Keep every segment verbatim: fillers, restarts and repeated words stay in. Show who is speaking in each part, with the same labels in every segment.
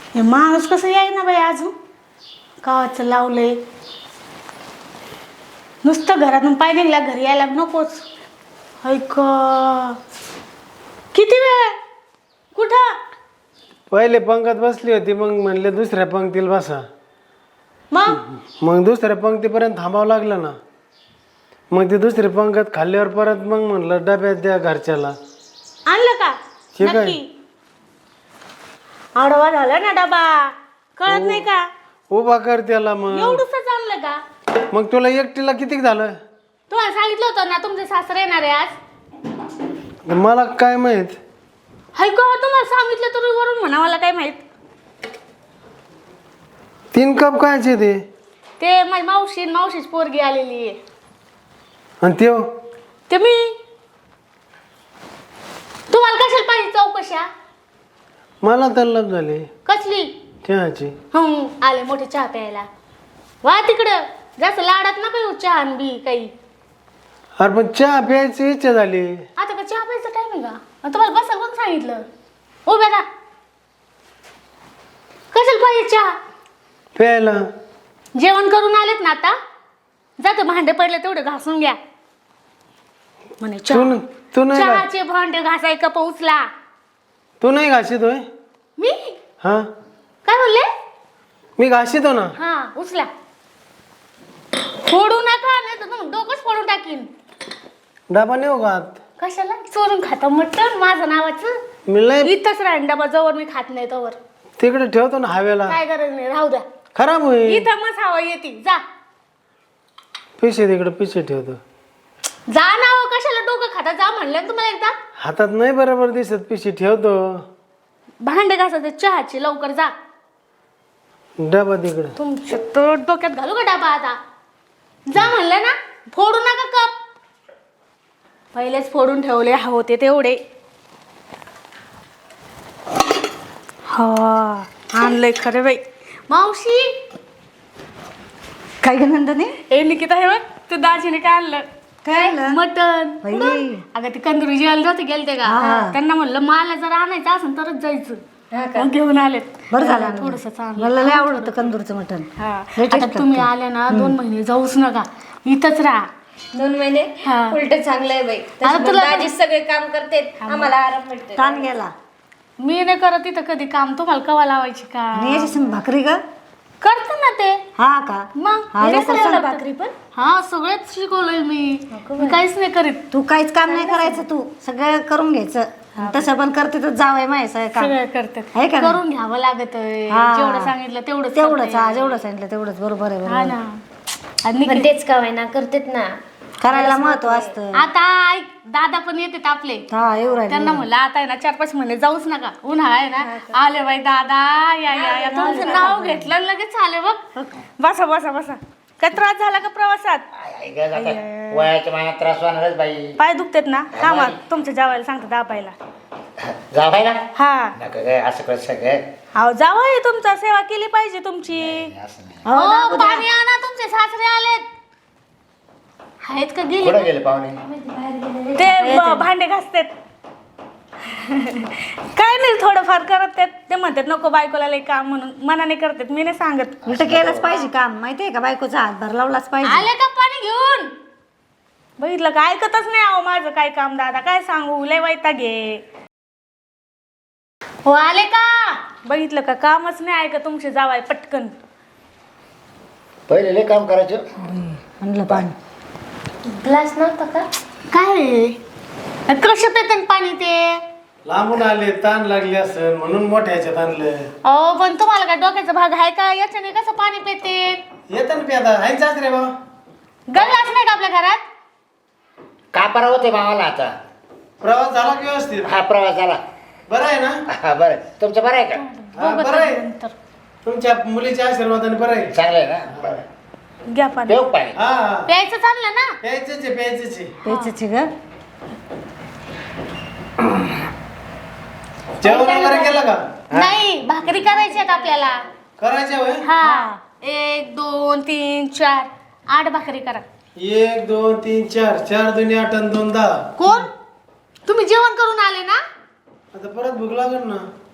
Speaker 1: हे माणूस कसं याय ना बाई अजून कावाचं लावलंय नुसतं घरातून पाय निघला घरी यायला नकोच. ऐक किती वेळ कुठं
Speaker 2: पहिले पंगत बसली होती मग म्हणले दुसऱ्या पंक्तीला बसा.
Speaker 1: मग
Speaker 2: मग दुसऱ्या पंक्तीपर्यंत थांबावं लागलं ना. मग ते दुसरी पंगत खाल्ल्यावर परत मग म्हणलं डब्यात द्या घरच्याला.
Speaker 1: आणलं का
Speaker 2: ठीक आहे.
Speaker 1: नक्की आडवा झाला ना डबा कळत नाही का
Speaker 2: उभा कर त्याला. मग
Speaker 1: एवढंच आणलं का
Speaker 2: मग तुला एकटीला किती झालं?
Speaker 1: तुम्हाला सांगितलं होतं ना तुमचे सासरे येणार आहे आज.
Speaker 2: मला काय माहित.
Speaker 1: हाय का तुम्हाला सांगितलं तर वरून म्हणा मला काय माहित.
Speaker 2: तीन कप कायचे ते
Speaker 1: ते माझी मावशी मावशीच पोरगी आलेली आहे.
Speaker 2: आणि त्यो
Speaker 1: ते मी तुम्हाला कशाला पाहिजे चौकशा
Speaker 2: मला तल्लप झाले
Speaker 1: कसली
Speaker 2: चहाची.
Speaker 1: हं आले मोठे चहा प्यायला. वा तिकडं जास्त लाडात नका येऊ चहा आणि बी काही.
Speaker 2: अरे पण चहा प्यायची इच्छा झाली.
Speaker 1: आता का चहा प्यायचा टाइम आहे का आणि तुम्हाला बसा कोण सांगितलं उभ्या का कशाला पाहिजे चहा.
Speaker 2: प्यायला
Speaker 1: जेवण करून आलेत ना आता जाते भांडे पडले तेवढे घासून घ्या म्हणे
Speaker 2: तू
Speaker 1: चहा
Speaker 2: न- तू नाही घा-
Speaker 1: चहाचे भांडे घासाय कप उचला.
Speaker 2: तू नाही घासीत होय?
Speaker 1: मी
Speaker 2: हा
Speaker 1: काय बोलले
Speaker 2: मी घासीतो ना.
Speaker 1: हा उचला फोडू नका नाही तर तुम्ही डोकंच फोडून टाकीन.
Speaker 2: डबा नेऊ का आत?
Speaker 1: कशाला चोरून खाता मटण माझं नावाचं.
Speaker 2: मी लय
Speaker 1: इथंच राहीन डबा जवळ मी खात नाही तवर.
Speaker 2: तिकडे ठेवतो ना हवेला.
Speaker 1: काय गरज नाही राहू द्या
Speaker 2: खराब होईल.
Speaker 1: इथं मग हवा येते जा
Speaker 2: पिशे तिकडे पिशे ठेवतो.
Speaker 1: जा ना हो कशाला डोकं खाता जा म्हणलं ना तुम्हाला एकदा.
Speaker 2: हातात नाही बरोबर दिसत पिशे ठेवतो.
Speaker 1: भांडे घासायचे चहाचे लवकर जा.
Speaker 2: डबा तिकडे.
Speaker 1: तुमच्या तर डोक्यात घालू का डबा आता. जा म्हणलं ना फोडू नका कप. पहिलेच फोडून ठेवले होते तेवढे. हा आणलंय खरे बाई. मावशी
Speaker 3: काय ग नंदने
Speaker 1: ए निकिता हे बघ तू दाजीने काय आणलं.
Speaker 3: काय आणलं?
Speaker 1: मटन.
Speaker 3: बाई.
Speaker 1: कुठून? अगं ते कंदुरी जेवायला नव्हते गेलते का
Speaker 3: हा.
Speaker 1: त्यांना म्हणलं मला जर आणायचं असेल तरच जायचं.
Speaker 3: हा का?
Speaker 1: मग घेऊन आलेत.
Speaker 3: बरं झालं
Speaker 1: थोडस चांगलं.
Speaker 3: मला लय आवडतं कंदूरचं मटण.
Speaker 1: हा
Speaker 3: लय
Speaker 1: आता
Speaker 3: taste
Speaker 1: तुम्ही
Speaker 3: लागतं.
Speaker 1: आल्या ना दोन महिने जाऊच नका इथंच राहा.
Speaker 4: दोन महिने
Speaker 1: हा.
Speaker 4: उलट चांगलं आहे बाई.
Speaker 1: आता
Speaker 4: तशी
Speaker 1: तुला-
Speaker 4: दाजी सगळे काम करते आम्हाला आराम भेटते.
Speaker 3: ताण गेला
Speaker 1: मी नाही करत इथं कधी काम तुम्हाला कवा लावायची का
Speaker 3: आणि याच्या संग भाकरी ग.
Speaker 1: करते ना ते
Speaker 3: हा का
Speaker 1: मग
Speaker 3: हा,
Speaker 1: मी
Speaker 3: लवकर
Speaker 1: सगळं
Speaker 3: सांग.
Speaker 1: भाकरी पण हा सगळेच शिकवलंय मी मी काहीच नाही करीत.
Speaker 3: तू काहीच काम नाही करायचं. तू सगळं करून घ्यायचं. तसं पण करते तर जावंय माय सगळं काम.
Speaker 1: सगळं करते
Speaker 3: आहे का नाही?
Speaker 1: करून घ्यावं लागत
Speaker 3: हा.
Speaker 1: जेवढं सांगितलं तेवढं
Speaker 3: तेवढंच हा जेवढं सांगितलं तेवढंच बरोबर आहे
Speaker 1: हा
Speaker 3: बरोबर.
Speaker 1: ना आणि
Speaker 4: पण तेच का ना करतेत ना.
Speaker 3: करायला महत्व असतं.
Speaker 1: आता ऐक दादा पण येतात आपले
Speaker 3: हा येऊ राहिले.
Speaker 1: त्यांना म्हणलं आता आहे ना चार पाच महिने जाऊच नका उन्हाळा आहे ना आले बाई दादा या या या तुमचं नाव घेतलं आणि लगेच आले बघ. बसा बसा बसा काय त्रास झाला का प्रवासात.
Speaker 5: वयाच्या महिन्यात त्रास होणारच बाई.
Speaker 1: पाय दुखतेत ना थांबा तुमच्या जावायला सांगता दाबायला.
Speaker 5: जावायला
Speaker 1: हा
Speaker 5: नका काय असं कर सगळं.
Speaker 1: अहो जावई तुमचा सेवा केली पाहिजे तुमची.
Speaker 5: असं नाही.
Speaker 3: हो ना,
Speaker 1: हो, पाणी आणा तुमचे सासरे आलेत आहेत का
Speaker 5: कुठं
Speaker 1: गेले
Speaker 5: गेले पाहुणे?
Speaker 1: ते ब- भांडे घासतेत काय नाही थोडंफार करत आहेत. ते म्हणतात नको बायकोला लई काम म्हणून मनाने करतात मी नाही सांगत.
Speaker 3: उलट केलंच पाहिजे काम माहितीये का. बायकोचा हातभार लावलाच पाहिजे.
Speaker 1: आले का पाणी घेऊन बघितलं का ऐकतच नाही अहो माझं काय काम दादा काय सांगू लय वैताग घे. हो आले का बघितलं का कामच नाही ऐकत तुमचे जावाय पटकन.
Speaker 5: पहिले लय काम करायचं.
Speaker 3: म्हणलं पाणी
Speaker 4: ग्लास नव्हता का.
Speaker 1: काय कसं पेतन पाणी ते.
Speaker 2: लांबून आले ताण लागले असेल म्हणून मोठ्या ह्याच्यात आणलं.
Speaker 1: अहो पण तुम्हाला काय डोक्याचा भाग आहे का याच्याने कसं पाणी पेते.
Speaker 2: येतं ना प्यादा आहे जाच रे बाबा.
Speaker 1: गल्लाच नाही का आपल्या घरात.
Speaker 5: कापारा होते मावाला आता.
Speaker 2: प्रवास झाला की व्यवस्थित.
Speaker 5: हा प्रवास झाला.
Speaker 2: बरं आहे ना.
Speaker 5: हा बरं तुमचं बरं आहे का?
Speaker 2: हा,
Speaker 1: बघू
Speaker 2: बरं आहे.
Speaker 1: नंतर.
Speaker 2: तुमच्या मुलीच्या आशीर्वादाने बरं आहे.
Speaker 5: चांगलं आहे ना. बरं
Speaker 1: घ्या पाणी
Speaker 5: देऊ पाणी.
Speaker 2: हा हा.
Speaker 1: प्यायचं चाललं ना.
Speaker 2: प्यायचंच आहे प्यायचंच आहे.
Speaker 3: प्यायचंच आहे ग.
Speaker 2: जेवण वगैरे केलं का?
Speaker 1: नाही भाकरी करायची आहेत आपल्याला.
Speaker 2: करायचं होय.
Speaker 1: हा एक दोन तीन चार आठ भाकरी करा.
Speaker 2: एक दोन तीन चार चार दोन्ही आठ आणि दोन दहा.
Speaker 1: कोण तुम्ही जेवण करून आले ना.
Speaker 2: आता परत भूक लागेल ना.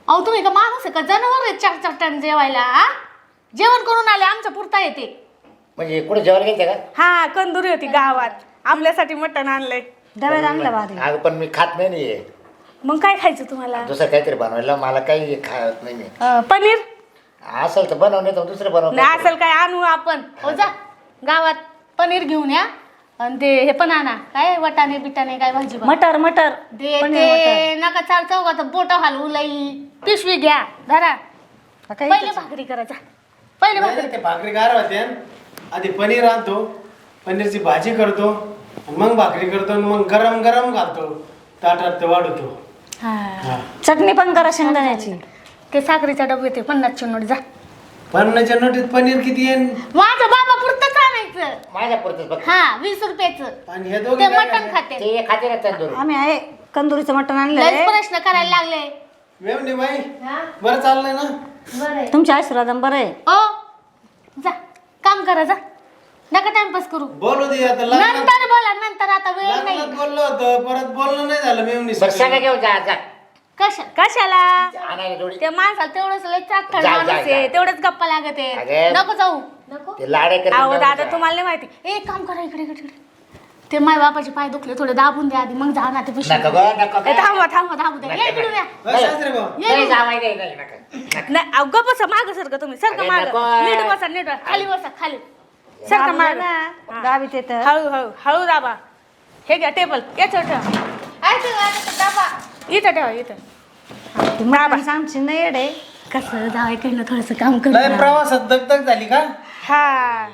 Speaker 1: अहो तुम्ही का माणूस आहे का जनावर आहे चार चार टाइम जेवायला हा? जेवण करून आले आमच्या पुरता येते.
Speaker 5: म्हणजे कुठे जेवायला गेलते का?
Speaker 1: हा कंदुरी होती गावात आपल्यासाठी मटण आणलंय.
Speaker 3: डब्यात आणलं बारी.
Speaker 5: अगं पण मी खात नाही नाही
Speaker 1: मग काय खायचं तुम्हाला?
Speaker 5: दुसरं काहीतरी बनवायला मला काही खात नाही मी.
Speaker 1: अं, पनीर
Speaker 5: असेल तर बनव नाही तर दुसरं बनव.
Speaker 1: नाही असेल काय आणू आपण. हो जा गावात पनीर घेऊन या आणि ते हे पण आणा काय वटाणे बिटाणे काय भाजी
Speaker 3: मटर मटर
Speaker 1: ते
Speaker 3: पनीर
Speaker 1: ते नका चार चौघात बोट हलवू लई पिशवी घ्या धरा
Speaker 3: मटर काही
Speaker 1: पहिले भाकरी करायचा पहिले
Speaker 2: नाही,
Speaker 1: भाकरी
Speaker 2: नाही, ते भाकरी गार होते आधी पनीर आणतो पनीरची भाजी करतो आणि मग भाकरी करतो आणि मग गरम गरम घालतो ताटात ते वाढवतो.
Speaker 1: हा
Speaker 2: हा.
Speaker 3: चटणी पण करा शेंगदाण्याची.
Speaker 1: ते साखरेचा डबे ते पन्नासचे नोट जा
Speaker 2: पन्नासच्या नोटीत पनीर किती येईन
Speaker 1: माझं बाबा पुरतच आणायचं.
Speaker 5: माझ्या पुरतच बघ.
Speaker 1: हा वीस रुपयाचं
Speaker 2: आणि हे
Speaker 1: ते
Speaker 2: दोघे काय
Speaker 1: मटण
Speaker 2: करणार?
Speaker 1: खाते.
Speaker 5: ते खाते ना तंदूर.
Speaker 3: आम्ही आहे कंदुरीचं मटण आणलंय.
Speaker 1: लयच प्रश्न करायला लागले.
Speaker 2: मेवणी बाई बरं चाललंय ना?
Speaker 1: बरं
Speaker 3: तुमच्या आशीर्वादन बरं आहे.
Speaker 1: ओ जा काम करा जा नका टाइमपास करू.
Speaker 2: बोलू दे आता लग्नात
Speaker 1: नंतर बोला नंतर आता वेळ नाही.
Speaker 2: लग्नात बोललो होतं परत बोलणं नाही झालं मेवणी
Speaker 5: बरं सांगा घेऊन जा जा
Speaker 1: कशा कशाला
Speaker 5: आणायला जोडी.
Speaker 1: ते माणसाला तेवढंच लय चाकट
Speaker 5: जा,
Speaker 1: माणूस
Speaker 5: जा,
Speaker 1: आहे
Speaker 5: जा.
Speaker 1: तेवढंच गप्पा लागत आहे.
Speaker 5: अगं.
Speaker 1: नको जाऊ नको
Speaker 5: ते लाडे करते
Speaker 1: अहो
Speaker 5: जाऊन
Speaker 1: दादा
Speaker 5: जा.
Speaker 1: तुम्हाला नाही माहिती एक काम करा इकडे इकडे इकडे. ते माय बापाचे पाय दुखले थोडे दाबून द्या आधी मग जा ना ते पिशवी.
Speaker 5: नका गं, नका
Speaker 1: ए,
Speaker 5: गं.
Speaker 1: थांबवा थांबवा दाबू द्या
Speaker 5: नका,
Speaker 1: ये इकडून या.
Speaker 2: बस सासरे भाऊ
Speaker 1: ये
Speaker 5: नाही
Speaker 1: इकडून.
Speaker 5: जावाई नाही नाही नका नका.
Speaker 1: नाही अहो, गप्प बसा माग सरका तुम्ही सरका
Speaker 5: अरे,
Speaker 1: माग
Speaker 5: नको.
Speaker 1: नीट बसा नीट बसा. खाली बसा खाली सरका
Speaker 3: दाबलं
Speaker 1: माग
Speaker 3: ना गावीत येतं.
Speaker 1: हळू हळू हळू दाबा. हे घ्या टेबल याच्यावर ठेवा. ऐका, ऐका, दाबा इथं ठेवा इथं.
Speaker 3: ती मटण सांगची नाही येडे.
Speaker 1: कसं जावायकडनं थोडस काम
Speaker 2: लय
Speaker 1: कर.
Speaker 2: प्रवासात दगदग झाली का?
Speaker 1: हा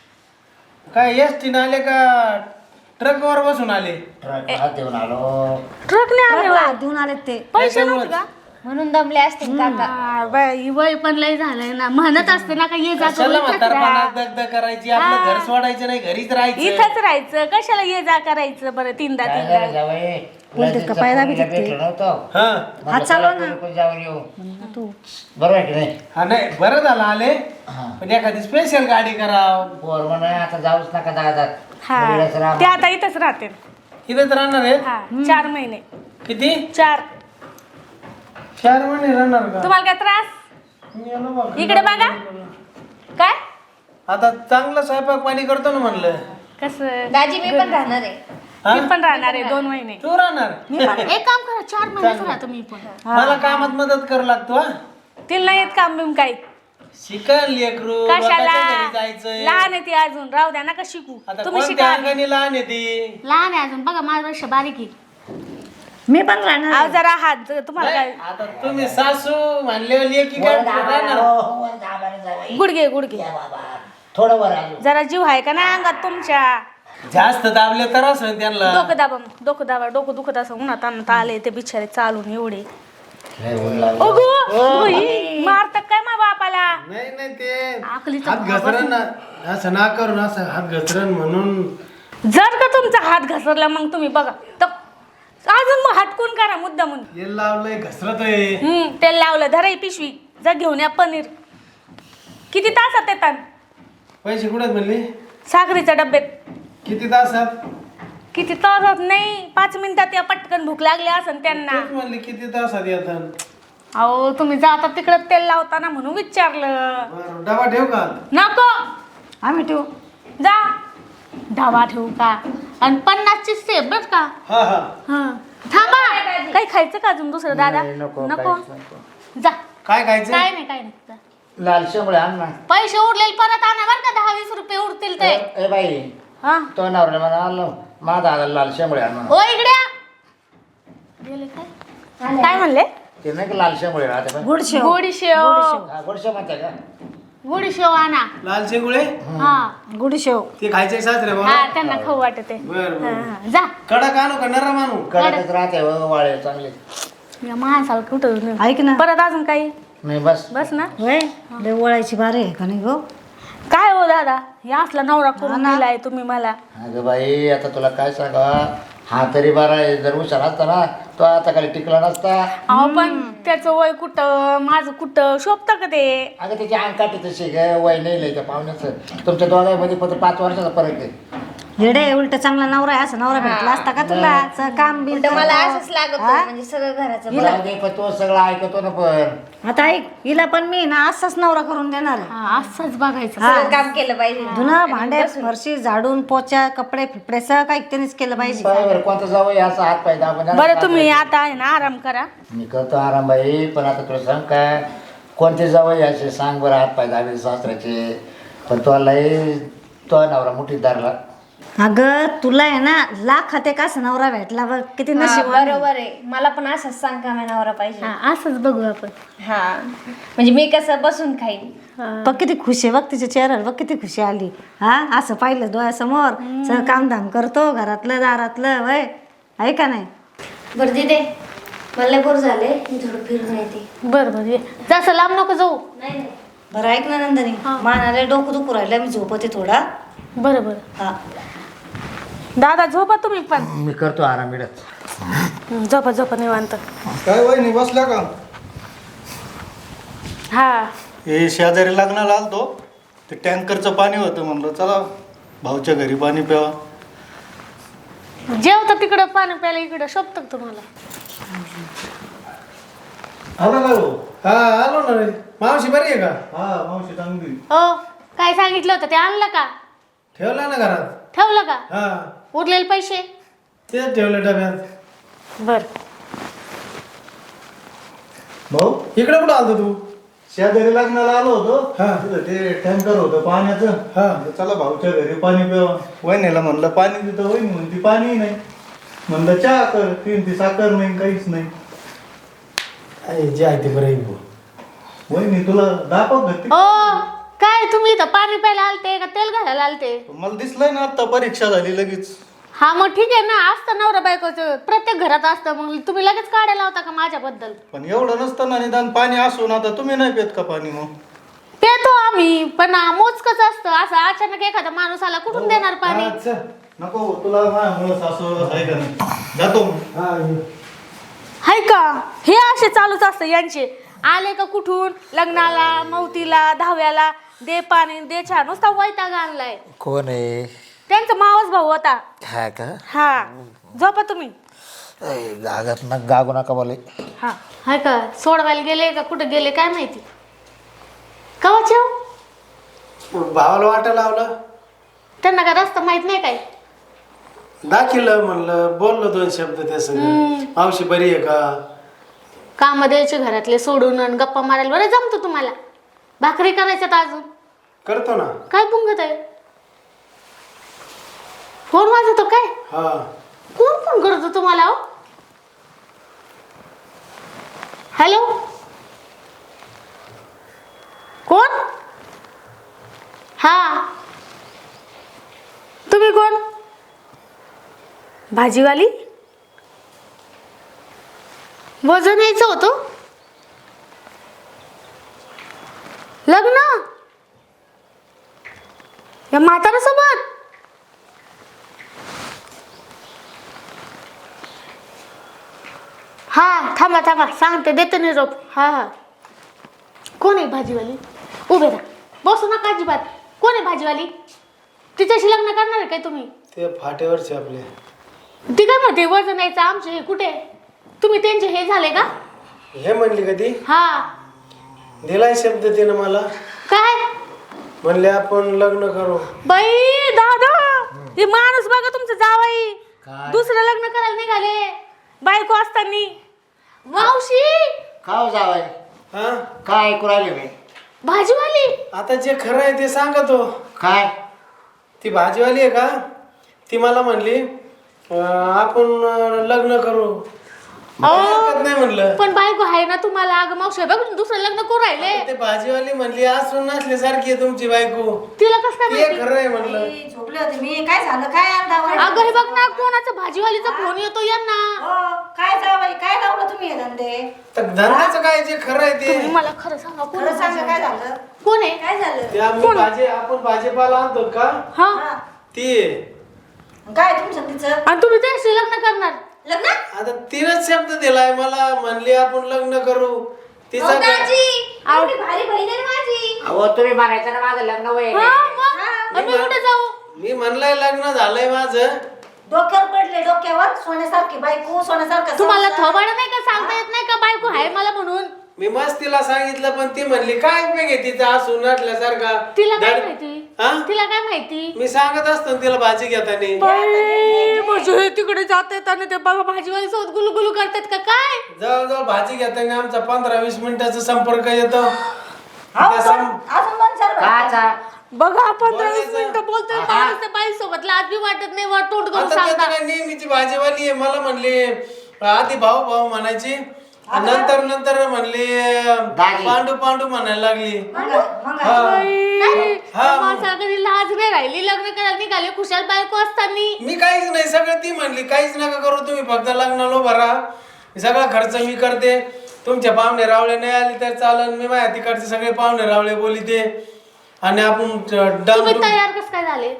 Speaker 2: काय एस टीनं आले का ट्रकवर बसून आले?
Speaker 5: ट्रक हात देऊन आलो.
Speaker 1: ट्रकने आले
Speaker 3: ट्रकला
Speaker 1: वय.
Speaker 3: देऊन आलेत ते.
Speaker 1: पैसे नव्हते का?
Speaker 4: म्हणून दमले असतील काका.
Speaker 1: हा, बाई, वय पण लय झालंय ना म्हणत असते ना का ये जा करू,
Speaker 2: कशाला
Speaker 1: इथंच
Speaker 2: म्हातारपणात
Speaker 1: राहा.
Speaker 2: दगदग करायची आपलं घर सोडायचं नाही घरीच राहायचं.
Speaker 1: इथंच राहायचं कशाला ये जा करायचं बरं तीनदा
Speaker 5: काय
Speaker 1: तीनदा.
Speaker 5: झालं जावई?
Speaker 3: बोलतेत का पाय दाबीत
Speaker 5: मुलीला
Speaker 3: ते?
Speaker 5: भेटलो नव्हतो.
Speaker 2: हा
Speaker 5: म्हटलं
Speaker 3: हात चालव
Speaker 5: चला
Speaker 3: ना.
Speaker 5: कोणी जाऊन येऊ.
Speaker 3: तू
Speaker 5: बरोबर आहे की नाही?
Speaker 2: हा नाही बरं झालं आले
Speaker 5: हा.
Speaker 2: पण एखादी स्पेशल गाडी कराव.
Speaker 5: पोर म्हणा आता जाऊच नका दादात.
Speaker 1: हा
Speaker 5: मुलीलाच राहा.
Speaker 1: ते आता इथंच राहते.
Speaker 2: इथेच राहणार आहे.
Speaker 1: हा चार महिने
Speaker 2: किती?
Speaker 1: चार.
Speaker 2: चार महिने राहणार का?
Speaker 1: तुम्हाला काय त्रास
Speaker 2: मी आलो बघ.
Speaker 1: इकडे बघा काय
Speaker 2: आता चांगलं स्वयंपाक पाणी करतो ना म्हणलं.
Speaker 1: कसं
Speaker 4: दाजी मी पण राहणार आहे.
Speaker 2: हा?
Speaker 1: मी पण राहणार आहे दोन महिने.
Speaker 2: तू राहणार
Speaker 1: मी पण एक काम करा चार महिनेच राहतो मी पण.
Speaker 2: मला कामात मदत करू लागतो हा.
Speaker 1: तिला नाही येत काम बिम काही.
Speaker 2: शिकायला लेकरू
Speaker 1: कशाला
Speaker 2: बापाच्या घरी जायचंय.
Speaker 1: लहान आहे ती अजून राहू द्या नका शिकू
Speaker 2: आता
Speaker 1: तुम्ही
Speaker 2: कोणत्या
Speaker 1: शिका.
Speaker 2: अंगाने लहान आहे ती?
Speaker 1: लहान आहे अजून बघा माझ्यापेक्षा बारीक आहे.
Speaker 3: मी पण राहणार
Speaker 1: अहो
Speaker 3: आहे.
Speaker 1: जरा हात ज- तुम्हाला
Speaker 2: नाही,
Speaker 1: काय
Speaker 2: आता तुम्ही सासू म्हणले लेकी काय
Speaker 5: वर दाबा
Speaker 2: राहणार?
Speaker 5: ना, हो, वर दाबा ना जावई.
Speaker 1: गुडघे गुडघे
Speaker 5: या बाबा. थोडं वर आलो.
Speaker 1: जरा जीव आहे का नाही अंगात तुमच्या.
Speaker 2: जास्त दाबले तर असं त्यांना.
Speaker 1: डोकं दाबा मग डोकं दाबा डोकं दुखत असं उन्हात आणत आले ते बिचारे चालून एवढे.
Speaker 5: लय ऊन लागलं.
Speaker 1: अगो बाई, मारतात काय मा बापाला.
Speaker 2: नाही नाही ते
Speaker 1: आखलीचा
Speaker 2: हात घसरण ना असं ना करून असं हात घसरण म्हणून.
Speaker 1: जर का तुमचा हात घसरला मग तुम्ही बघा तर अजून मग हटकून करा मुद्दा म्हणून.
Speaker 2: हे लावलंय घसरतोय.
Speaker 1: हम्म तेल लावलं धरा ही पिशवी जा घेऊन या पनीर. किती तासात येतात
Speaker 2: पैसे कुठे म्हणली?
Speaker 1: साखरीच्या डब्यात.
Speaker 2: किती तासात?
Speaker 1: किती तासात नाही पाच मिनिटात या पटकन भूक लागली असेल त्यांना.
Speaker 2: तेच म्हणली किती तासात येतात.
Speaker 1: अहो तुम्ही जाता तिकडे तेल लावताना म्हणून विचारलं.
Speaker 2: बरं, डबा ठेव का?
Speaker 1: नको
Speaker 3: आम्ही ठेवू.
Speaker 1: जा ढाबा ठेवू का आणि पन्नासची सेब बर का.
Speaker 2: हा हा
Speaker 1: हा थांबा काही खायचं का अजून दुसरं दादा
Speaker 5: नाही, नको,
Speaker 1: नको
Speaker 5: काहीच नको.
Speaker 1: जा
Speaker 2: काय खायचं?
Speaker 1: काय नाही काय नाही जा.
Speaker 5: लाल शेंगुळे आण ना.
Speaker 1: पैसे उरलेले परत आणा बर का दहा वीस रुपये उरतील ते.
Speaker 5: ए ए बाई
Speaker 1: हा
Speaker 5: तो नवऱ्याला म्हणा आलो माझा आला लाल शेंगुळे आण म्हणा.
Speaker 1: ओ इकडे या. गेले काय काय म्हणले
Speaker 5: ते नाही का लाल शेंगुळे राहते पण.
Speaker 3: गुडशेव.
Speaker 1: गोडी शेव
Speaker 5: हा, गोडशे म्हणते का?
Speaker 1: गोडी शेव आणा.
Speaker 2: लाल शेंगुळे
Speaker 1: हा
Speaker 3: गुडशेव.
Speaker 2: ते खायचे सासरे
Speaker 1: हा
Speaker 2: मला.
Speaker 1: त्यांना खाऊ वाटते.
Speaker 2: बर
Speaker 1: हा,
Speaker 2: बर.
Speaker 1: हा. जा
Speaker 2: कडक आणू का नरम आणू?
Speaker 5: कडकच राहते हो, वाळे चांगले.
Speaker 1: या माणसाला कुठं
Speaker 3: ऐक ना.
Speaker 1: परत अजून काही
Speaker 5: नाही बस
Speaker 1: बस ना.
Speaker 3: वय लय ओळायची बारी आहे का नाही गो.
Speaker 1: काय हो दादा या असला नवरा करून दिलाय तुम्ही मला.
Speaker 5: अगं बाई आता तुला काय सांगा हा तरी बरा आहे. जर हुशार असता ना तो आता खाली टिकला नसता.
Speaker 1: अहो पण त्याचं वय कुठं माझं कुठं शोभतं का ते.
Speaker 5: अगं त्याची अंगकाठी तशी ग वय नाही लय त्या पाहुण्याचं. तुमच्या दोघांमध्ये फक्त पाच वर्षाचा फरक आहे.
Speaker 3: येडे उलट चांगला नवरा आहे असं नवरा भेटला असता का तुला च- काम बी
Speaker 4: उलट मला असंच लागत होतं, म्हणजे सगळं घराचं बरं.
Speaker 5: जाऊ दे, पण तो सगळं ऐकतो ना पण.
Speaker 3: आता ऐक हिला पण मी ना असाच नवरा करून देणार आहे.
Speaker 1: हा असंच बघायचं
Speaker 4: सगळं काम केलं पाहिजे.
Speaker 3: धुणं भांडे फरशी झाडून पोचा कपडे फिपडे सगळं काही त्यांनीच केलं पाहिजे.
Speaker 5: पाय बरं, कोणता जावं असा हात पाय दाबून.
Speaker 1: बरं तुम्ही आता आहे ना आराम करा.
Speaker 5: मी करतो आराम बाई, पण आता तुला सांग काय कोणते जावं असे सांग बरं, हात पाय दाबे सासऱ्याचे. पण तो लय तो नवरा मुठीत धरला.
Speaker 3: अगं तुला आहे ना लाखात एक असं नवरा भेटला बघ किती
Speaker 4: हा,
Speaker 3: नशीब
Speaker 4: बरोबर आहे. मला पण असंच सांग का नवरा पाहिजे.
Speaker 1: हा असंच बघू आपण.
Speaker 4: हा म्हणजे मी कसं बसून खाईन.
Speaker 3: बघ किती खुशी आहे बघ तिच्या चेहऱ्यावर बघ किती खुशी आली. हा असं पाहिलं डोळ्यासमोर सगळं कामधाम करतो घरातलं दारातलं वय आहे का नाही.
Speaker 4: बरं दिदे मला बोर झाले, मी थोडं फिरून येते.
Speaker 1: बरं बरं ये. जास्त लांब नको जाऊ.
Speaker 4: नाही नाही
Speaker 3: बरं ऐक ना नंदनी मानाले डोकं दुखू राहिलं मी झोपते थोडा.
Speaker 1: बरं बरं
Speaker 3: हा
Speaker 1: दादा झोपा तुम्ही पण.
Speaker 5: मी करतो आराम मिळत.
Speaker 1: हं, झोपा झोपा निवांत.
Speaker 2: काय वहिनी बसल्या का?
Speaker 1: हा
Speaker 6: हे शेजारी लग्नाला आलतो, ते टँकरचं पाणी होतं, म्हणलं चला भाऊच्या घरी पाणी प्यावा.
Speaker 1: जेवता तिकडं पाणी प्यायला इकडं शोभतं का तुम्हाला?
Speaker 6: आला ना भाऊ?
Speaker 2: हा आलो ना रे. मावशी बरी आहे का?
Speaker 6: हा मावशी चांगली.
Speaker 1: हो काय सांगितलं होतं ते आणलं का?
Speaker 2: ठेवला ना घरात?
Speaker 1: ठेवलं का?
Speaker 2: हा
Speaker 1: उरलेले पैसे?
Speaker 2: तेच ठेवले डब्यात.
Speaker 1: बर
Speaker 6: भाऊ
Speaker 2: इकडे कुठं आलतो तू?
Speaker 6: शेजारी लग्नाला आलो होतो,
Speaker 2: हा.
Speaker 6: तिथं ते टँकर होतं पाण्याचं.
Speaker 2: हा.
Speaker 6: म्हणलं, चला भाऊच्या घरी पाणी प्यावा. वहिनीला म्हणलं पाणी देतो, वहिनी म्हणती पाणी नाही. म्हणलं चहा कर, तीन ती साखर नाही काहीच नाही.
Speaker 2: आई, जे आहे ते बरं आहे भाऊ.
Speaker 6: वहिनी तुला दाखव घरती.
Speaker 1: ओ काय तुम्ही इथं पाणी प्यायला आलते का तेल घालायला आलते?
Speaker 6: मला दिसलंय ना आता परीक्षा झाली लगेच.
Speaker 1: हा मग ठीक आहे ना, असतं नवरा बायकोचं प्रत्येक घरात असतं. मग तुम्ही लगेच काढायला होता का माझ्याबद्दल?
Speaker 6: पण एवढं नसतं ना, निदान पाणी असून आता तुम्ही नाही पेत का पाणी? मग
Speaker 1: पेतो आम्ही, पण मोजकच असतं. असं अचानक एखादा माणूस आला कुठून देणार पाणी?
Speaker 2: हा, चल.
Speaker 6: नको तुला माझ्यामुळं सासू आहे का नाही. जातो मी.
Speaker 2: हा, ये.
Speaker 1: हाय का हे असे चालूच असतं यांचे. आले का कुठून लग्नाला मौतीला दहाव्याला दे पाणी दे चहा, नुसता वैताग आणलाय.
Speaker 5: कोण आहे?
Speaker 1: त्यांचा मावस भाऊ होता.
Speaker 5: हा का?
Speaker 1: हा झोपा तुम्ही.
Speaker 5: गागत ना गागू नका बोले.
Speaker 1: हा हाय का सोडवायला गेले का कुठे गेले काय माहिती. कवाचे हो?
Speaker 2: भावाला वाटा लावलं,
Speaker 1: त्यांना का रस्ता माहित नाही काय?
Speaker 2: दाखिलं म्हणलं, बोललो दोन शब्द त्या सगळं. मावशी बरी आहे का?
Speaker 1: काम द्यायचे घरातले सोडून आणि गप्पा मारायला बरं जमतं तुम्हाला. भाकरी करायच्यात अजून.
Speaker 2: करतो ना.
Speaker 1: काय पुंगत आहे? फोन वाजवतो काय?
Speaker 2: हा
Speaker 1: कोण फोन करतो तुम्हाला? हो हॅलो कोण? हा तुम्ही कोण? भाजीवाली? वजन यायचं होतं? लग्न या म्हाताऱ्यासोबत? हा थांबा थांबा सांगते देते निरोप. हा हा कोण आहे भाजीवाली? उभे राहा, बसू नका अजिबात. कोण आहे भाजीवाली? तिच्याशी लग्न करणार आहे काय तुम्ही?
Speaker 2: ते फाटेवरचे आपले.
Speaker 1: ती काय म्हणते वजन यायचं आमचे हे कुठे? तुम्ही त्यांचे हे झाले का?
Speaker 2: हे म्हणली कधी?
Speaker 1: हा
Speaker 2: दिलाय शब्द तिनं मला.
Speaker 1: काय
Speaker 2: म्हणले आपण लग्न करू.
Speaker 1: बाई दादा हे माणूस बघा तुमचं जावाई
Speaker 5: काय?
Speaker 1: दुसरं लग्न करायला निघाले बायको असताना. मावशी
Speaker 5: काय जावाय?
Speaker 2: हा
Speaker 5: काय ऐकू राहिले मी?
Speaker 1: भाजीवाली
Speaker 2: आता जे खरं आहे ते सांगतो.
Speaker 5: काय?
Speaker 2: ती भाजीवाली आहे का? ती मला म्हणली अं, आपण अं, लग्न करू. हरकत नाही म्हणलं.
Speaker 1: पण बायको आहे ना तुम्हाला? अगं मावशी बघ दुसरं लग्न करू राहिले.
Speaker 2: ते भाजीवाली म्हणली असून नसल्यासारखी आहे तुमची बायको.
Speaker 1: तिला कसं काय
Speaker 2: ते
Speaker 1: माहिती?
Speaker 2: खरं आहे म्हणलं.
Speaker 3: मी झोपले होते मी. काय झालं काय अंदावर?
Speaker 1: अगं हे बघ ना कोणाचा भाजीवालीचा फोन येतो यांना.
Speaker 3: हो, काय जावई काय लावलं तुम्ही हे धंदे?
Speaker 2: तर धंद्याचं काय जे खरं आहे
Speaker 1: तुम्ही
Speaker 2: ते.
Speaker 1: मला खरं सांगा कोण
Speaker 3: खरं सांगा काय
Speaker 1: आहे?
Speaker 3: झालं?
Speaker 1: कोण आहे?
Speaker 3: काय झालं?
Speaker 2: ते आम्ही भाजी आपण भाजीपाला आणतो का
Speaker 1: हा
Speaker 3: हा.
Speaker 2: ती.
Speaker 3: काय तुमचं तिचं
Speaker 1: आणि तुम्ही त्याशी लग्न करणार?
Speaker 3: लग्न?
Speaker 2: आता तिनंच शब्द दिलाय मला. म्हणली आपण लग्न करू. तिचा
Speaker 4: अहो, दाजी, एवढी भारी बहीण आहे माझी.
Speaker 5: अहो तुम्ही म्हणायचं ना माझं लग्न वय
Speaker 1: हा, मग? आणि मी कुठे जाऊ?
Speaker 2: मी म्हणलंय लग्न झालंय माझं.
Speaker 3: डोक्यावर पडले, डोक्यावर सोन्यासारखी बायको, सोन्यासारखा
Speaker 1: तुम्हाला
Speaker 3: संसार.
Speaker 1: थोबाड नाही का सांगता येत नाही का बायको आहे मला म्हणून?
Speaker 2: मी मस्त तिला सांगितलं पण ती म्हणली काय उपयोग आहे तिचा असून नटल्यासारखा.
Speaker 1: तिला काय
Speaker 2: धड-
Speaker 1: माहिती?
Speaker 2: हा?
Speaker 1: तिला काय माहिती?
Speaker 2: मी सांगत असतो ना तिला भाजी घेताना.
Speaker 1: बाई, म्हणजे हे तिकडे जात येत आणि ते बघा भाजीवाली सोबत गुलगुलू करतात का काय?
Speaker 2: जवळजवळ भाजी घेताना आमचा पंधरा वीस मिनिटाचा संपर्क येतो.
Speaker 3: अहो,
Speaker 2: त्या
Speaker 3: दोन-
Speaker 2: सं-
Speaker 3: अजून दोन चार बायका.
Speaker 5: काचा
Speaker 1: बघा पंधरा वीस
Speaker 2: बोलायचं.
Speaker 1: मिनिटं बोलतोय माणूस त्या बाई सोबत लाज बी वाटत नाही वर तोंड करून
Speaker 2: आता ते
Speaker 1: सांगता.
Speaker 2: तर काय नेहमीची भाजीवाली आहे. मला म्हणली आधी भाऊ भाऊ म्हणायची आणि नंतर नंतर म्हणली
Speaker 5: दाजी.
Speaker 2: पांडू पांडू म्हणायला लागली.
Speaker 3: मग मग
Speaker 2: हा.
Speaker 1: बाई,
Speaker 2: हा.
Speaker 1: त्या माणसाला कधी लाज नाही राहिली. लग्न करायला निघाले खुशाल बायको असताना.
Speaker 2: मी काहीच नाही, सगळं ती म्हणली काहीच नका करू तुम्ही, फक्त लग्नाला उभा राहा, सगळा खर्च मी करते. तुमच्या पाहुणे रावळे नाही आले तर चालन, मी माझ्या तिकडचे सगळे पाहुणे रावळे बोलिते आणि आपण
Speaker 1: तुम्ही
Speaker 2: डांबरू.
Speaker 1: तयार कस काय झाले?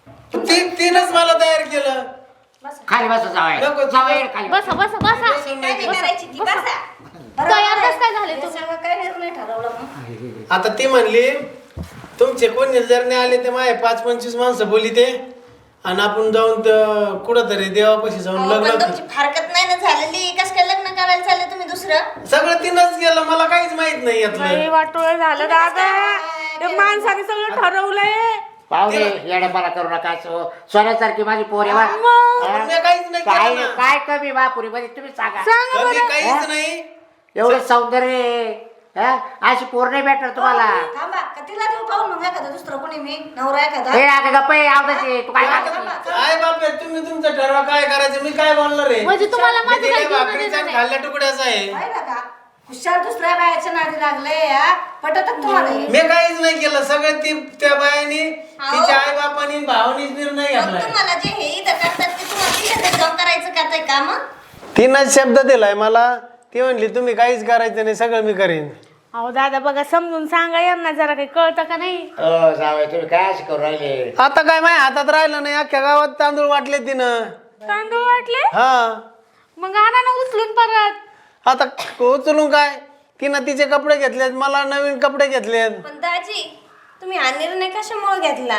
Speaker 2: ती तिनंच मला तयार केलं.
Speaker 5: खाली बस जावाय
Speaker 2: नको,
Speaker 5: जावाय खाली बस.
Speaker 1: बसा बसा बसा.
Speaker 2: बसून नाही
Speaker 3: काय
Speaker 2: केलं.
Speaker 3: करायची ती बसा.
Speaker 1: तयार कसं काय झाले
Speaker 3: हे
Speaker 1: तुम्ही?
Speaker 3: सगळं काय निर्णय ठरवला मग?
Speaker 2: आता ती म्हणली तुमचे कोणी जर नाही आले ते माझे पाच पंचवीस माणसं बोलिते आणि आपण जाऊन त- कुठंतरी देवापाशी जाऊन
Speaker 4: अहो, पण
Speaker 2: लग्न.
Speaker 4: तुमची फारकत नाही ना झालेली, कस काय लग्न करायला चालले तुम्ही दुसरं?
Speaker 2: सगळं तिनंच केलं, मला काहीच माहित नाही यातलं.
Speaker 1: वाटोळ झालं दादा. ते माणसाने सगळं ठरवलंय.
Speaker 5: पाहुणे येड्यापणा करू नका. सो- सोन्यासारखी माझी पोर आहे बा.
Speaker 2: पण मी काहीच नाही
Speaker 5: काय
Speaker 2: केलं ना.
Speaker 5: काय कमी बापुरी मध्ये तुम्ही सांगा.
Speaker 2: कमी काहीच नाही.
Speaker 5: एवढं सौंदर्य आहे. हा? अशी पोर नाही भेटणार तुम्हाला.
Speaker 3: थांबा का तिला देऊ पाहून मग एखादा दुसरं कोणी मी नवरा एखादा.
Speaker 5: हे आता गप्प आहे आवडायचे तू काय मागते?
Speaker 2: काय बाप तुम्ही तुमचं ठरवा काय करायचं, मी काय बोलणार आहे.
Speaker 1: म्हणजे तुम्हाला
Speaker 2: मी
Speaker 1: माझं
Speaker 2: दिल्या
Speaker 1: काही घेणं
Speaker 2: भाकरीचा
Speaker 1: देणं
Speaker 2: आणि
Speaker 1: नाही.
Speaker 2: खाल्ल्या तुकड्याचा आहे.
Speaker 3: पाहिलं का हुशार दुसऱ्या बायाच्या नादी लागले या पटत तुम्हाला हे?
Speaker 2: मी काहीच नाही केलं, सगळं ती त्या बायानी तिच्या आई बापानी भावानीच निर्णय
Speaker 4: मग
Speaker 2: घेतलाय.
Speaker 4: तुम्हाला जे हे इथं करतात ते तुम्हाला तिथे जाऊन करायचं का ते काम?
Speaker 2: तिनं शब्द दिलाय मला, ती म्हणली तुम्ही काहीच करायचं नाही, सगळं मी करेन.
Speaker 1: अहो दादा बघा समजून सांगा यांना जरा काही कळतं का नाही?
Speaker 5: हो जावय तुम्ही काय अशी करू राहिले?
Speaker 2: आता काय माझ्या हातात राहिलं नाही, अख्ख्या गावात तांदूळ वाटले तिनं.
Speaker 1: तांदूळ वाटले
Speaker 2: हा
Speaker 1: मग आणा ना उचलून परत.
Speaker 2: आता उचलून काय, तिनं तिचे कपडे घेतलेत, मला नवीन कपडे घेतलेत.
Speaker 4: पण दाजी, तुम्ही हा निर्णय कशामुळे घेतला?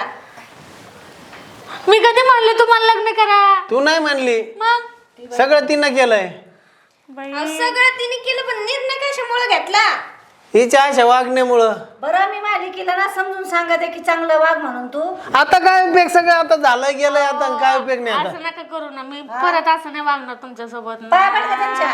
Speaker 1: मी कधी म्हणले तुम्हाला लग्न करा?
Speaker 2: तू नाही म्हणली,
Speaker 1: मग
Speaker 2: सगळं तिनं केलंय.
Speaker 1: बाई,
Speaker 4: अहो, सगळं तिने केलं पण निर्णय कशामुळे घेतला?
Speaker 2: हिच्या अशा वागण्यामुळं.
Speaker 3: बरं मी मालिकेला ना समजून सांगत आहे की चांगलं वाग म्हणून तू.
Speaker 2: आता काय उपयोग, सगळं आता झालं गेलंय, आता काय उपयोग नाही आता.
Speaker 1: असं नका करू ना. मी परत असं नाही वागणार तुमच्या सोबत.
Speaker 3: पाया पड का त्यांच्या?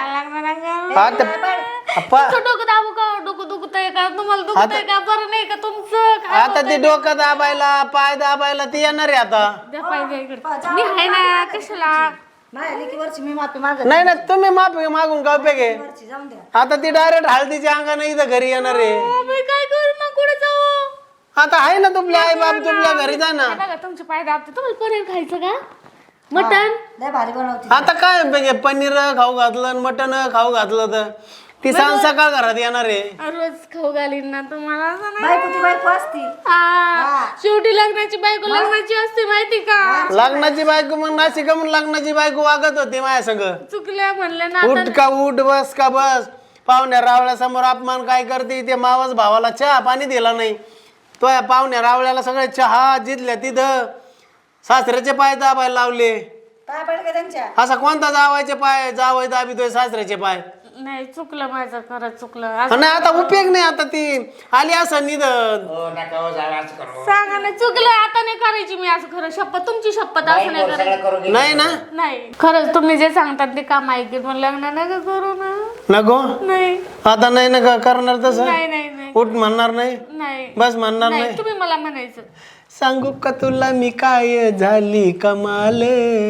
Speaker 2: आता अप्पा,
Speaker 1: तुमचं डोकं दाबू का? डोकं दुखतंय का? तुम्हाला दुखतंय का? बरं नाही का तुमचं? काय
Speaker 2: आता ते डोकं दाबायला पाय दाबायला ते येणार आहे आता.
Speaker 1: द्या पाहिजे इकडे. मी आहे ना कशाला?
Speaker 3: मालिकेवरची मी माफी मागत
Speaker 2: नाही ना, तुम्ही माफी मागून काय उपयोग आहे.
Speaker 3: वरची जाऊन द्या.
Speaker 2: आता ती डायरेक्ट हळदीच्या अंगाने इथं घरी येणार आहे.
Speaker 1: अहो, मी काय करू मग? कुठे जाऊ?
Speaker 2: आता आहे ना तुपले आई बाप, तुपल्या घरी जा ना.
Speaker 1: हे बघा तुमचे पाय दाबते. तुम्हाला पनीर खायचं का? मटन?
Speaker 3: लय भारी बनवते.
Speaker 2: आता काय उपयोग आहे, पनीर खाऊ घातलं मटन खाऊ घातलं तर ती सांग सकाळ घरात येणार आहे.
Speaker 1: रोज खाऊ घालीन ना तुम्हाला. असं नाही.
Speaker 3: बायको ती बायको असती.
Speaker 1: हा, शेवटी लग्नाची बायको लग्नाची असते माहिती का?
Speaker 2: लग्नाची बायको मग नाशिक म्हणून लग्नाची बायको वागत होती माझ्या संग.
Speaker 1: चुकल्या म्हणले ना
Speaker 2: उठ का उठ, बस का बस. पाहुण्या रावळ्या समोर अपमान काय करते, ते मावस भावाला चहा पाणी दिला नाही. तो या पाहुण्या रावळ्याला सगळे चहा जिथल्या तिथं सासऱ्याचे पाय दाबायला लावले.
Speaker 3: पाया पड का त्यांच्या?
Speaker 2: असा कोणता जावायचे पाय जावय दाबितोय सासऱ्याचे पाय.
Speaker 1: नाही चुकलं माझं, खरंच चुकलं.
Speaker 2: आणि आता उपयोग नाही, आता ती आली असं निधन.
Speaker 5: हो नका हो जावय असं करू.
Speaker 1: सांगा ना, चुकलं आता नाही करायची मी असं. खरं शपथ, तुमची शपथ
Speaker 5: बाई
Speaker 1: असं नाही
Speaker 5: पोर सगळं
Speaker 1: करायची.
Speaker 5: करून घे.
Speaker 2: नाही ना,
Speaker 1: नाही खरंच तुम्ही जे सांगतात ते काम ऐकेल, पण लग्न नका करू ना.
Speaker 2: नको
Speaker 1: नाही
Speaker 2: आता नाही ना का करणार तसं.
Speaker 1: नाही नाही नाही
Speaker 2: उठ म्हणणार नाही,
Speaker 1: नाही
Speaker 2: बस म्हणणार
Speaker 1: नाही.
Speaker 2: नाही.
Speaker 1: तुम्ही मला म्हणायचं.
Speaker 2: सांगू का तुला मी काय झाली कमाल,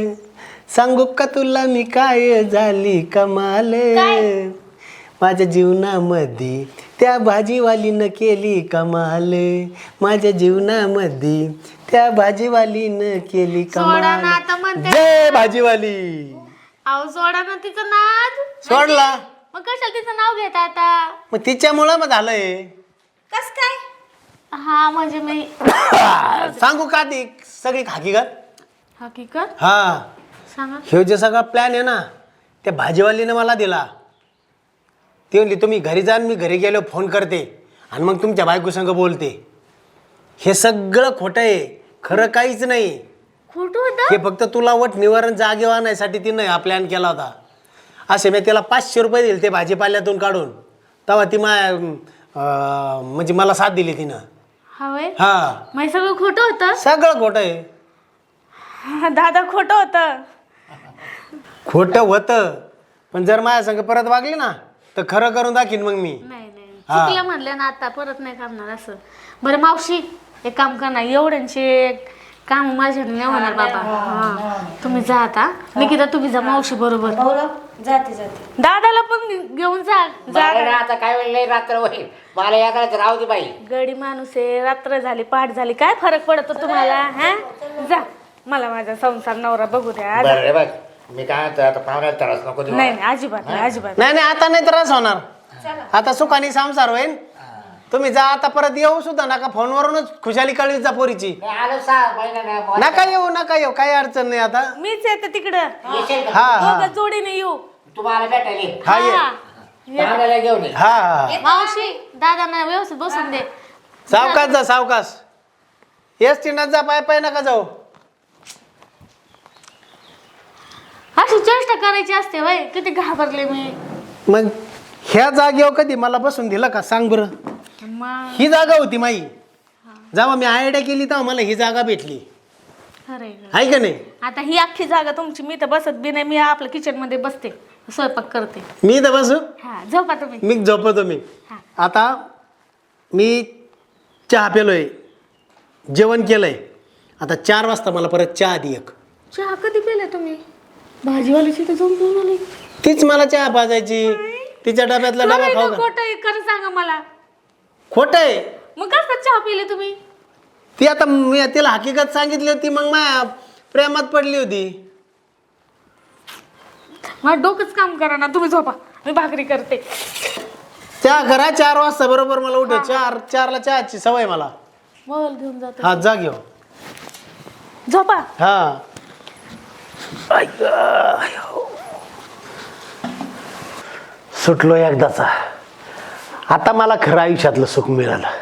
Speaker 2: सांगू का तुला मी काय झाली कमाल, माझ्या जीवनामध्ये त्या भाजीवालीनं केली कमाल, माझ्या जीवनामध्ये त्या भाजीवालीनं केली
Speaker 1: सोडा ना
Speaker 2: कमाल.
Speaker 1: आता म्हणते.
Speaker 2: जय भाजीवाली.
Speaker 1: अहो सोडा ना तिचं नाद.
Speaker 2: सोडला
Speaker 1: मग कशाला तिचं नाव घेता आता?
Speaker 2: मग तिच्यामुळं मग झालंय.
Speaker 4: कस काय?
Speaker 1: हा म्हणजे मी
Speaker 2: सांगू का ती सगळी हकीकत.
Speaker 1: हकीकत
Speaker 2: हा,
Speaker 1: सांगा.
Speaker 2: ह्यो जे सगळा प्लॅन आहे ना, त्या भाजीवालीनं मला दिला. ती म्हणली तुम्ही घरी जा, मी घरी गेलो फोन करते आणि मग तुमच्या बायको संग बोलते. हे सगळं खोटं आहे, खरं काहीच नाही.
Speaker 1: खोटं होतं?
Speaker 2: हे फक्त तुला वट निवारण जागेवर आणण्यासाठी तिनं हा प्लॅन केला होता. असे मी त्याला पाचशे रुपये दिले ते भाजीपाल्यातून काढून. तेव्हा ती मा अं, म्हणजे मला साथ दिली तिनं.
Speaker 1: हा वय
Speaker 2: हा
Speaker 1: मग हे सगळं खोटं होतं?
Speaker 2: सगळं खोटं आहे.
Speaker 1: दादा खोटं होतं.
Speaker 2: खोटं होतं पण जर माझ्या संग परत वागली ना तर खरं करून दाखीन मग मी.
Speaker 1: नाही नाही
Speaker 2: हा.
Speaker 1: चुकलं म्हणलं ना आता परत नाही करणार असं. बरं मावशी एक काम करणार एवढ्यांचे काम माझ्याने नाही होणार बाबा. हा तुम्ही जा आता. निकिता तुम्ही जा मावशी बरोबर.
Speaker 3: भाऊराव जाते जाते.
Speaker 1: दादाला पण घेऊन जा. जा
Speaker 5: मला ना आता काय वेळ लई रात्र होईल, मला या करायचं राहू दे बाई.
Speaker 1: गडी माणूस आहे, रात्र झाली पहाट झाली, काय फरक पडतो तुम्हाला? हा जा, मला माझा संसार नवरा बघू द्या.
Speaker 5: बरं रे बघ, मी काय म्हणतो आता पाहुण्याला त्रास नको देऊ.
Speaker 1: नाही नाही अजिबात नाही अजिबात
Speaker 2: नाही नाही आता नाही त्रास होणार. आता सुखाने संसार होईल. तुम्ही जा आता परत येऊ सुद्धा नका. फोनवरूनच खुशाली कळवीत जा पोरीची.
Speaker 5: नाही, आलो सहा महिन्यानं.
Speaker 2: नका येऊ नका येऊ काही अडचण नाही आता.
Speaker 1: मीच येते तिकडं.
Speaker 5: येशील का?
Speaker 2: हा हा
Speaker 1: दोघं जोडीने येऊ.
Speaker 5: तुम्हाला भेटायला ये.
Speaker 2: हा ये.
Speaker 1: हा.
Speaker 5: पाहुण्याला घेऊन ये.
Speaker 2: हा हा
Speaker 1: मावशी दादांना व्यवस्थित बसून दे.
Speaker 2: सावकाश जा सावकाश. एस टी जा पाय पाय नका जाऊ.
Speaker 1: अशी चेष्टा करायची असते वय. किती घाबरले मी.
Speaker 2: मग ह्या जागेवर कधी मला बसून दिलं का सांग बरं.
Speaker 1: मग
Speaker 2: ही जागा होती माई. जेव्हा मी आयडिया केली तेव्हा मला ही जागा भेटली.
Speaker 1: खरंय.
Speaker 2: आहे का नाही.
Speaker 1: आता ही अख्खी जागा तुमची. मी तर बसत बी नाही. मी आपल्या किचन मध्ये बसते स्वयंपाक करते.
Speaker 2: मी तर बसू.
Speaker 1: हा झोपा तुम्ही.
Speaker 2: मी झोपतो मी.
Speaker 1: हा.
Speaker 2: आता मी चहा पेलोय, जेवण केलंय. आता चार वाजता मला परत चहा दे एक.
Speaker 1: चहा कधी पिला तुम्ही? भाजीवालीची तर जाऊन पिऊन आली.
Speaker 2: तीच मला चहा पाजायची. तिच्या डब्यातला डबा खाऊ का.
Speaker 1: खोटं आहे खरं सांगा मला.
Speaker 2: खोट आहे.
Speaker 1: मग कसं चहा पिले तुम्ही?
Speaker 2: ती आता मी तिला हकीकत सांगितली होती मग माझ्या प्रेमात पडली होती.
Speaker 1: मला डोकंच काम करा ना. तुम्ही झोपा, मी भाकरी करते.
Speaker 2: चहा करा चार वाजता बरोबर मला उठ. चार चारला चहाची सवय मला.
Speaker 1: मोबाईल घेऊन जातो.
Speaker 2: हा जा घेऊ.
Speaker 1: झोपा.
Speaker 2: हा सुटलो एकदाचा. आता मला खरं आयुष्यातलं सुख मिळालं.